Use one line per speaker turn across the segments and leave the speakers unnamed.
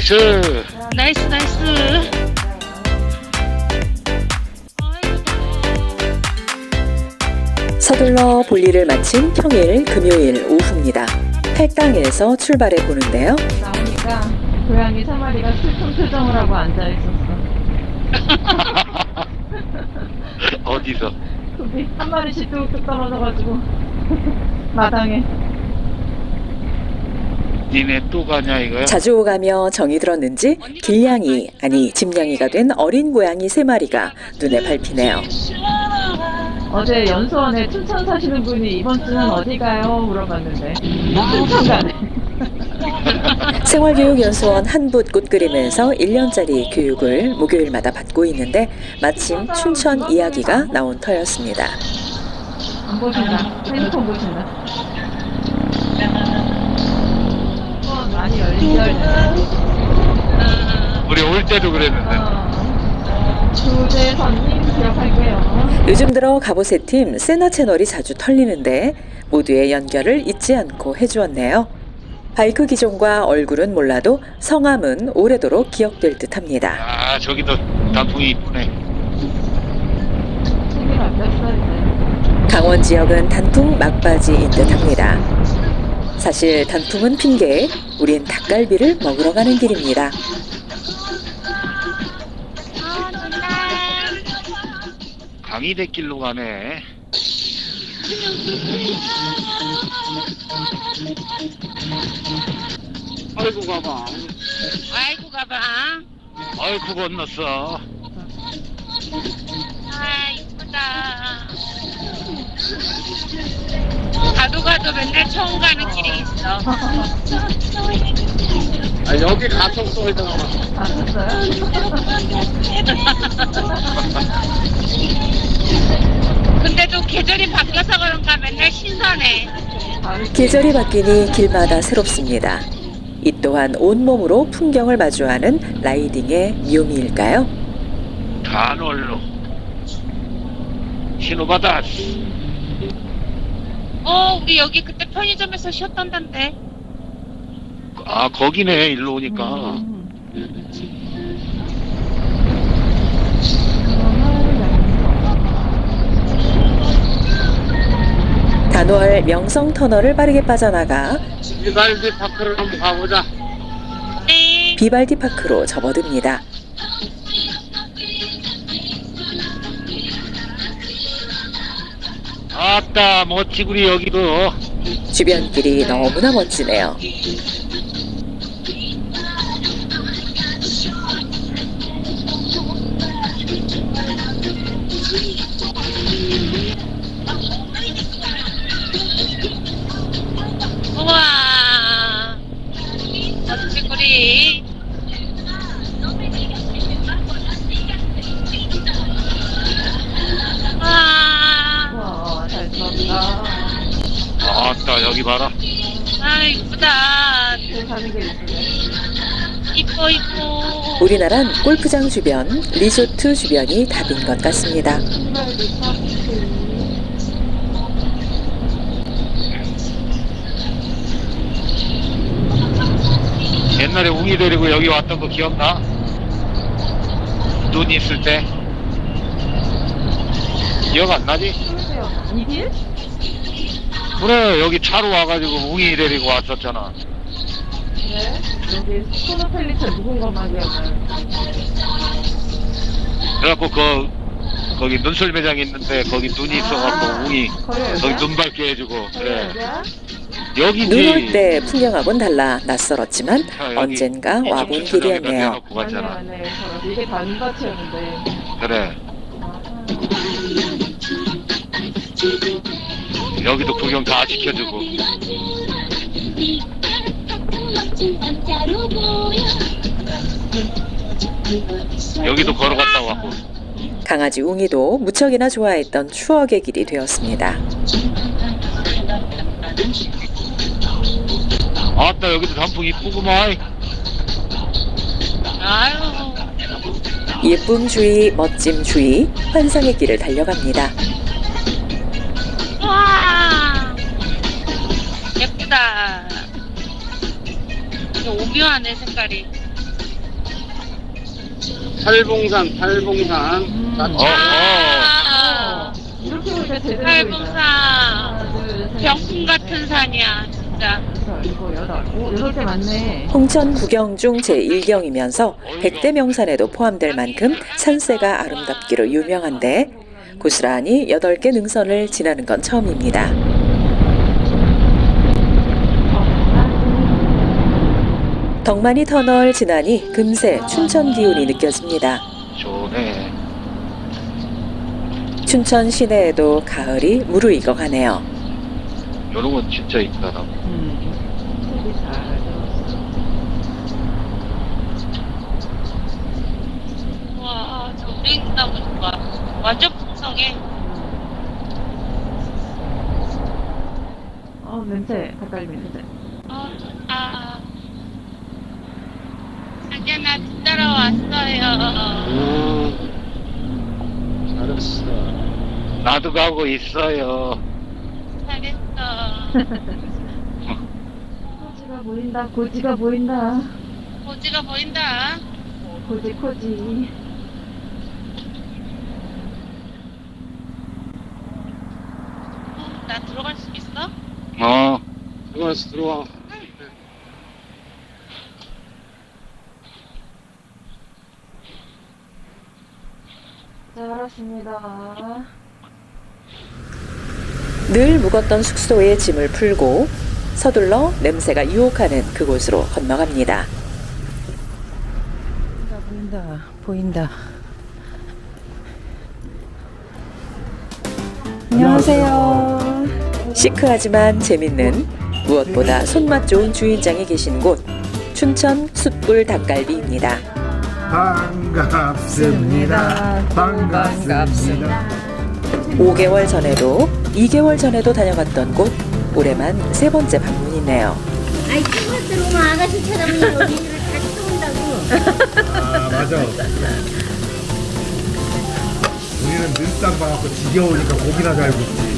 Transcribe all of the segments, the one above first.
나이스.
나이스 나이스.
서둘러 볼일을 마친 평일 금요일 오후입니다. 팔당에서 출발해 보는데요.
나오니까 고양이 3마리가 슬픈 표정을 하고 앉아 있었어.
어디서?
거기 한 마리씩 뚝뚝 떨어져가지고 마당에.
니네 또 가냐 이거야?
자주 오가며 정이 들었는지 길냥이 아니 집냥이가 된 어린 고양이 3마리가 눈에 밟히네요.
어제 연수원에 춘천 사시는 분이 이번 주는 어디 가요? 물어봤는데 춘천 가네.
생활교육연수원 한붓 꽃 그림에서 1년짜리 교육을 목요일마다 받고 있는데 마침 춘천 이야기가 나온 터였습니다.
안 보신다. 핸드폰 보신다. 많이 열리네.
우리 올 때도 그랬는데.
주재선님 기억할게요.
요즘 들어 가보세 팀 세나 채널이 자주 털리는데 모두의 연결을 잊지 않고 해주었네요. 바이크 기종과 얼굴은 몰라도 성함은 오래도록 기억될 듯합니다.
아 저기도 단풍이 이쁘네.
책이 바뀌었어 이제.
강원 지역은 단풍 막바지인 듯합니다. 사실 단풍은 핑계, 우린 닭갈비를 먹으러 가는 길입니다.
강이대길로 가네. 아이고 가봐.
아이고 가봐.
아이고 건넜어.
아 이쁘다. 가도 가도 맨날 처음 가는 길이 있어.
아 여기 가평도 있잖아.
아셨어요?
근데도 계절이 바뀌어서 그런가 맨날 신선해.
계절이 바뀌니 길마다 새롭습니다. 이 또한 온몸으로 풍경을 마주하는 라이딩의 묘미일까요?
단월로 신호받아.
우리 여기 그때 편의점에서 쉬었던던데.
아 거기네 일로 오니까.
단월 명성 터널을 빠르게 빠져나가
비발디 파크를 한번 가보자.
네.
비발디 파크로 접어듭니다.
아따 멋지구리 여기도.
주변길이 너무나 멋지네요.
우와. 멋지구리.
와, 잘 들었다.
아따 여기 봐라.
아 이쁘다.
길 가는 게 있으네.
이뻐 이뻐.
우리나란 골프장 주변, 리조트 주변이 답인 것 같습니다.
신발도 파티.
옛날에 웅이 데리고 여기 왔던 거 기억나? 눈 있을 때. 기억 안 나지?
이 길?
그래 여기 차로 와가지고 웅이 데리고 왔었잖아.
네. 여기 스코노펠리처 묵은 것만 기억나요.
그래갖고 거기 눈술 매장 있는데 거기 눈이 있어갖고 웅이 거기 눈 밝게 해주고. 그래 여기지.
눈 올 때 풍경하고는 달라 낯설었지만
여기
언젠가 와본 길이었네요.
내놓고 갔잖아.
네. 이게 다 눈밭이었는데.
그래 여기도 구경 다 시켜주고. 여기도 걸어갔다 왔고.
강아지 웅이도 무척이나 좋아했던 추억의 길이 되었습니다.
아따 여기도 단풍 이쁘구만.
아유.
예쁨 주의, 멋짐 주의, 환상의 길을 달려갑니다.
와. 예쁘다. 오묘하네 색깔이.
팔봉산.
아,
이렇게 보니까 제대로 보인다.
팔봉산.
하나, 둘, 셋,
병풍 같은 산이야, 진짜.
일곱, 여덟. 오, 8개 맞네.
홍천 구경 중 제1경이면서 100대 명산에도 포함될 만큼 산세가 아름답기로 유명한데 고스란히 8개 능선을 지나는 건 처음입니다. 덕만이 터널 지나니 금세 춘천 기운이 느껴집니다.
좋네.
춘천 시내에도 가을이 무르익어 가네요.
이런 건 진짜 있다.
색이 잘
와, 저 땡나무 좋아. 완전 풍성해.
냄새. 닭갈비 냄새.
좋다. 자기야, 나 뒤따라왔어요.
잘했어.
나도 가고 있어요.
잘했어.
고지가 보인다. 고지가 보인다.
고지가 보인다.
고지.
나 들어갈 수 있어?
들어와.
잘 알았습니다.
늘 묵었던 숙소에 짐을 풀고 서둘러 냄새가 유혹하는 그곳으로 건너갑니다.
보인다. 안녕하세요.
시크하지만 재밌는 무엇보다 손맛 좋은 주인장이 계신 곳 춘천 숯불 닭갈비입니다.
반갑습니다. 반갑습니다.
5개월 전에도 2개월 전에도 다녀갔던 곳 올해만 3번째 방문이네요.
아이 친구 들어오면 아가씨 쳐다보면 여기를 다시 쏜다고.
아 맞아. 우리는 늘상 봐갖고 지겨우니까 고기나 잘 굽지.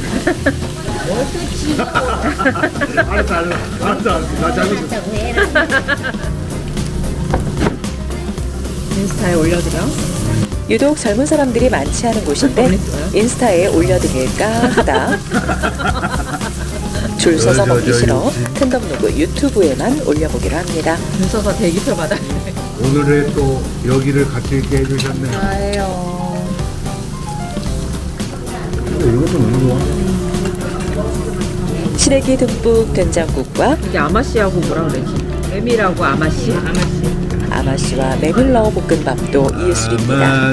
알았어. 나 잘못했어.
다고 해라.
인스타에 올려드려.
유독 젊은 사람들이 많지 않은 곳인데 인스타에 올려드릴까 하다 줄 서서 먹기 싫어 텐덤로그 유튜브에만 올려보기로 합니다.
줄 서서 대기표 받아.
오늘의 또 여기를 같이 있게 해주셨네요.
아예요.
근데 이것도 너무 좋아.
시래기 듬뿍 된장국과
이게 아마씨하고 뭐라 그러지? 메밀하고 아마씨.
아마씨와 메밀러 볶음밥도 예술입니다.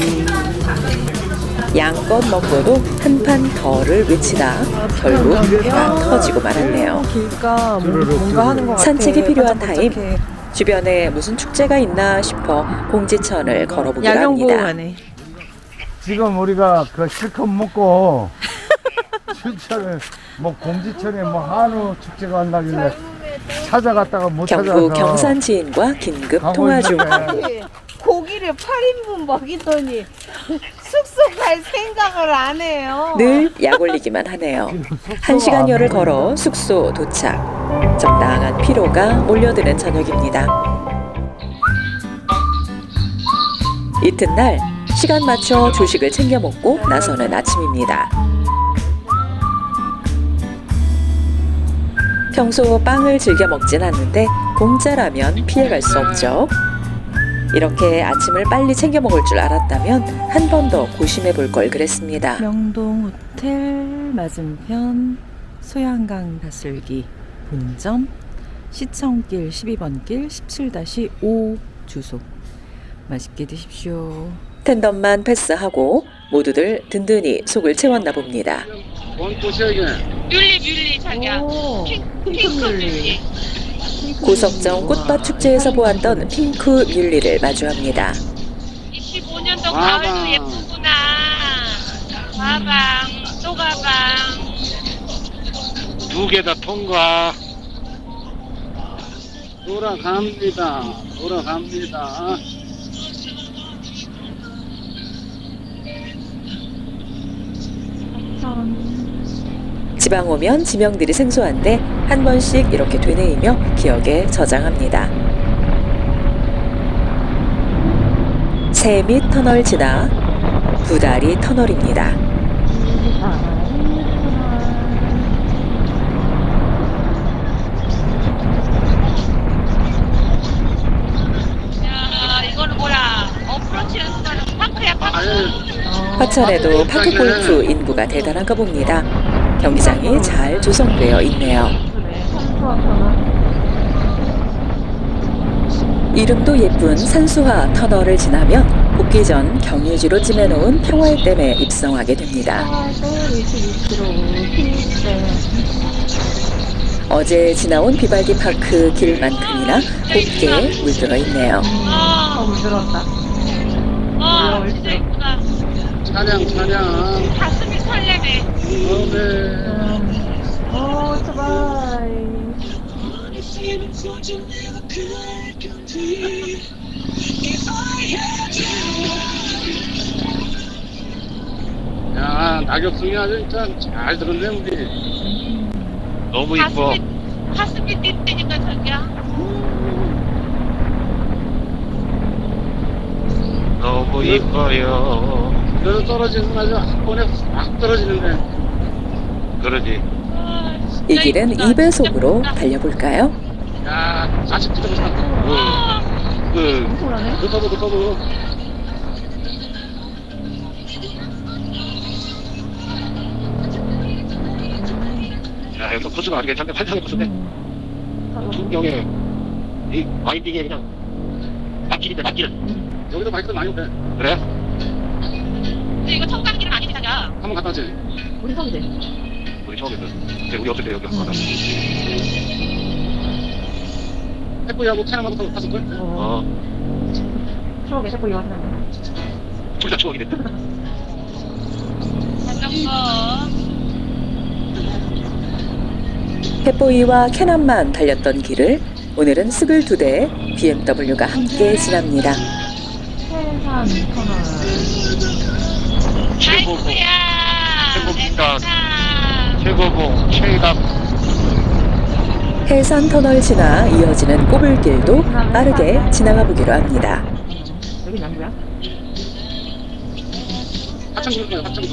양껏 먹고도 한 판 더를 외치다 결국 다 터지고 말았네요.
길가
쭈루룩,
뭔가 하는 것 같아.
산책이 필요한 타임.
반짝반짝해.
주변에 무슨 축제가 있나 싶어 공지천을 걸어보기로 합니다.
야경보호하네.
지금 우리가 그 실컷 먹고 춘천에 뭐 공지천에 뭐 한우 축제가 한다길래 찾아갔다가 못 찾아서
경북 경산 지인과 긴급
가고
통화 중.
있는데
고기를 8인분 먹이더니 숙소 갈 생각을 안 해요.
늘 약 올리기만 하네요. 1시간여를 걸어 숙소 도착. 적당한 피로가 몰려드는 저녁입니다. 이튿날 시간 맞춰 조식을 챙겨 먹고 나서는 아침입니다. 평소 빵을 즐겨 먹진 않는데 공짜라면 피해갈 수 없죠. 이렇게 아침을 빨리 챙겨 먹을 줄 알았다면 한 번 더 고심해 볼 걸 그랬습니다.
명동 호텔 맞은편 소양강 다슬기 본점 시청길 12번 길 17-5 주소. 맛있게 드십시오.
텐덤만 패스하고 모두들 든든히 속을 채웠나 봅니다.
뭔 꽃이야
뮬리, 자기야.
오,
핑크 뮬리.
고석정 꽃밭 축제에서 보았던 핑크 뮬리를 마주합니다.
25년도
가방.
가을도 예쁘구나. 가방, 또 가방.
2개 다 통과.
돌아갑니다.
지방 오면 지명들이 생소한데 한 번씩 이렇게 되뇌이며 기억에 저장합니다. 세밑 터널 지나 구다리 터널입니다.
야, 이거는 뭐야? 어프로치 연습하는 파크야, 파크.
화천에도 파크골프 인구가 대단한가 봅니다. 경기장이 잘 조성되어 있네요.
그래, 산수와 터널.
이름도 예쁜 산수화 터널을 지나면 복귀 전 경유지로 찜해놓은 평화의 댐에 입성하게 됩니다.
22km.
어제 지나온 비발디 파크 길만큼이나 곱게 물들어 있네요.
물들었다.
진짜 이쁘다.
찬양.
가슴이 설레네.
오토바이.
야, 낙엽송이 아주 진짜 잘 들었네, 우리.
너무 이뻐.
가슴이 뛴다니까, 저기야.
너무 이뻐요.
그래서 떨어지는 아주 한 번에 확 떨어지는데.
그러지.
이 길은 2배속으로 달려볼까요?
야, 40km 차.
그,
엄청나네.
높아도.
야, 여기서 코스가 아주 괜찮네. 환상의 코스네. 풍경에, 이 와인딩에 그냥, 막길인데, 막길.
여기도 바이크도 많이 오네.
그래?
근데 이거 청강길은 아니지, 자기야.
한번 갔다 왔지?
우리 성대.
우리 처음에 근데 우리 없을 때 여기 한번 가자.
택보이하고 차량하고 탔을걸?
어,
추억에 자꾸 이거 하는
둘 다 추억이 됐다.
자전거.
펫보이와 캐남만 달렸던 길을 오늘은 스글 2대 BMW가 함께 지납니다.
해산 터널.
최고봉,
아이쿠야.
최고봉, 최강.
해산 터널 지나 이어지는 꼬불길도 빠르게 지나가 보기로 합니다.
여기 남구야?
하천 그럴 거야, 하천.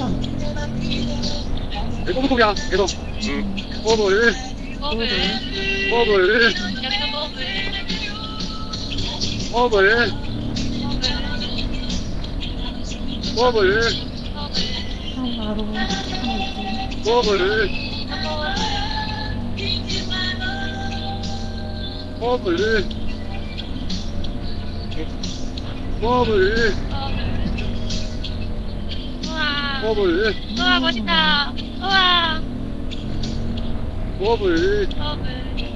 꼬불꼬불이야, 계속. 꼬불.
버블.
꼬불.
여기도 버블.
꼬불. 꼬불.
바로.
꼬불. 꼬불. 꼬불.
우와.
꼬불.
우와, 멋있다. 우와.
꼬불.
버블.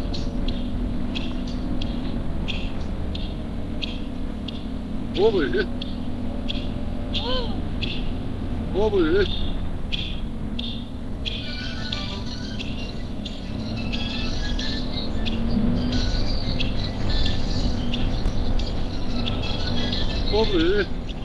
꼬불. 꼬불. 꼬불.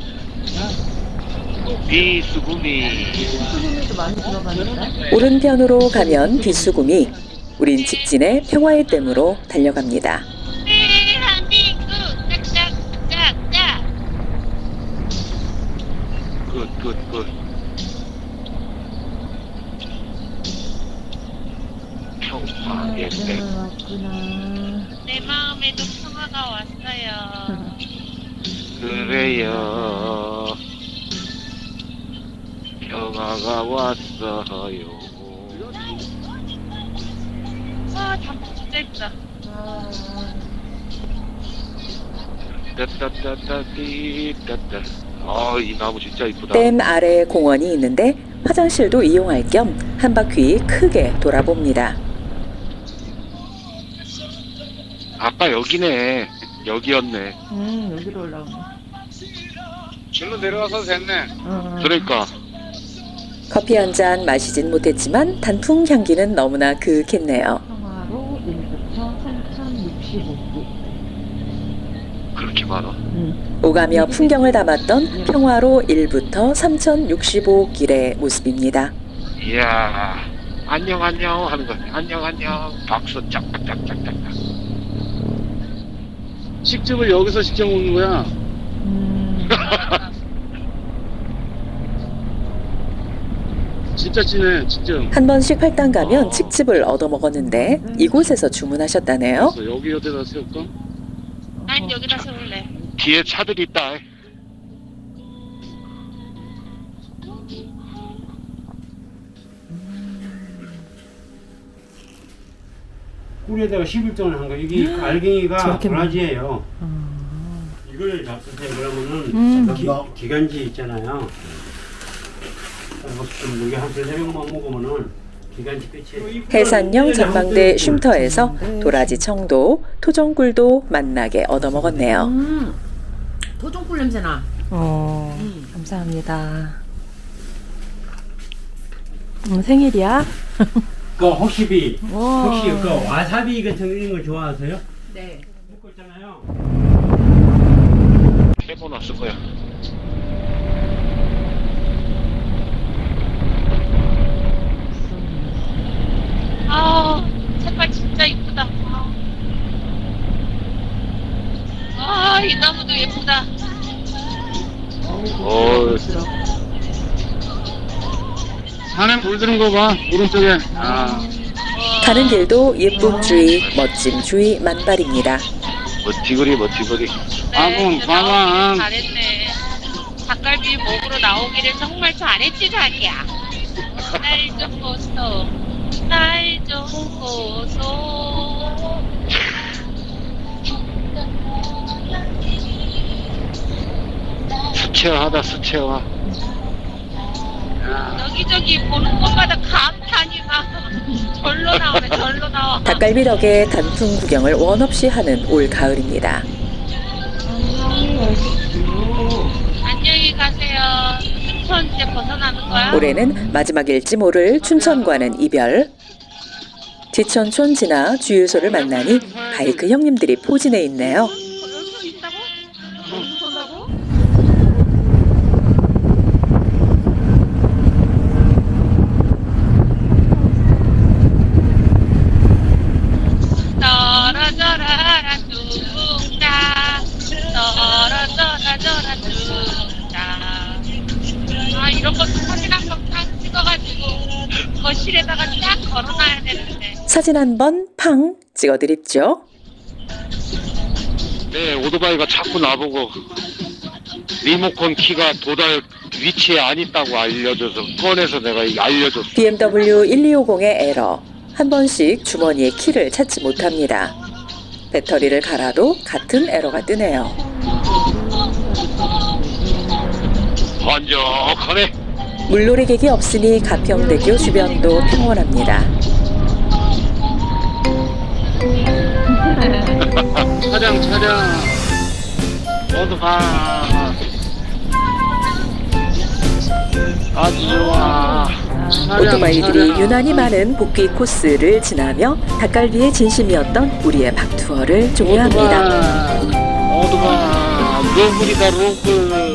비수구미.
수금이도 많이 들어가는데.
오른편으로 가면 비수구미, 우린 직진의 평화의 댐으로 달려갑니다.
대한민국. 짝짝짝짝.
굿. 평화의 댐.
왔구나.
내 마음에도 평화가 왔어요.
그래요. 평화가 왔어요.
와, 단풍 진짜 예쁘다.
따따따따띠따따. 이 나무 진짜 이쁘다.
댐 아래 공원이 있는데 화장실도 이용할 겸 한 바퀴 크게 돌아봅니다.
아까 여기네. 여기였네.
여기로 올라오네.
절로 내려와서 됐네.
그러니까.
커피 한 잔 마시진 못했지만 단풍 향기는 너무나 그윽했네요.
평화로 1부터 3065기.
그렇게 많아.
오가며 풍경을 담았던 평화로 1부터 3065길의 모습입니다.
이야. 안녕 하는 거. 안녕. 박수 짝짝짝짝짝.
식집을 여기서 시켜 먹는 거야. 진짜 찐해, 진짜.
한 번씩 팔당 가면 칡즙을 얻어먹었는데 이곳에서 주문하셨다네요.
그래서 여기 어디다 세울까?
난 여기다 세울래.
뒤에 차들이 있다.
꿀에다가 11동을 한 거. 이게 알갱이가
저렇게
도라지예요. 이걸 잡수세요. 그러면은 기관지 있잖아요. 좀 여기 한 3명만 먹으면은 기관지 끝이에요.
해산령 전망대 쉼터에서 도라지 청도, 토종꿀도 맛나게 얻어먹었네요.
도종꿀 냄새 나.
감사합니다. 생일이야?
그 혹시 그
와.
와사비 같은 거 좋아하세요?
네.
먹고 있잖아요.
해보놨을 거야.
아, 색깔 진짜 이쁘다. 아, 이 나무도 예쁘다.
산에 물 드는 거 봐, 오른쪽에. 아,
가는 길도 예쁨 주의, 멋짐 주의 만발입니다.
멋지거리.
아궁, 가만.
잘했네. 닭갈비 먹으러 나오기를 정말 잘했지, 자기야. 날 좀 보소. 날 좀 보소.
수채화하다, 수채화.
여기저기 보는 곳마다 감탄이 막 절로 나오네, 절로 나와.
닭갈비 덕에 단풍 구경을 원 없이 하는 올 가을입니다.
안녕히 가세요. 춘천 이제 벗어나는 거야?
올해는 마지막일지 모를 춘천과는 이별. 지천촌 지나 주유소를 만나니 바이크 형님들이 포진해 있네요.
여기서 있다고? 떨어져라 둥자 떨어져라 둥자. 아, 이런 것도 사진 한 번 딱 찍어가지고 거실에다가 딱 걸어놔야 되는데.
사진 한 번 팡 찍어드립죠.
네, 오토바이가 자꾸 나보고 리모컨 키가 도달 위치에 안 있다고 알려줘서 꺼내서 내가 알려줬어.
BMW 1250의 에러. 한 번씩 주머니에 키를 찾지 못합니다. 배터리를 갈아도 같은 에러가 뜨네요.
번쩍하네.
물놀이객이 없으니 가평대교 주변도 평온합니다.
차량. 모두 가. 아주 좋아.
오토바이들이 유난히 많은 복귀 코스를 지나며 닭갈비의 진심이었던 우리의 박투어를 종료합니다.
모두 가. 로블이다, 로블.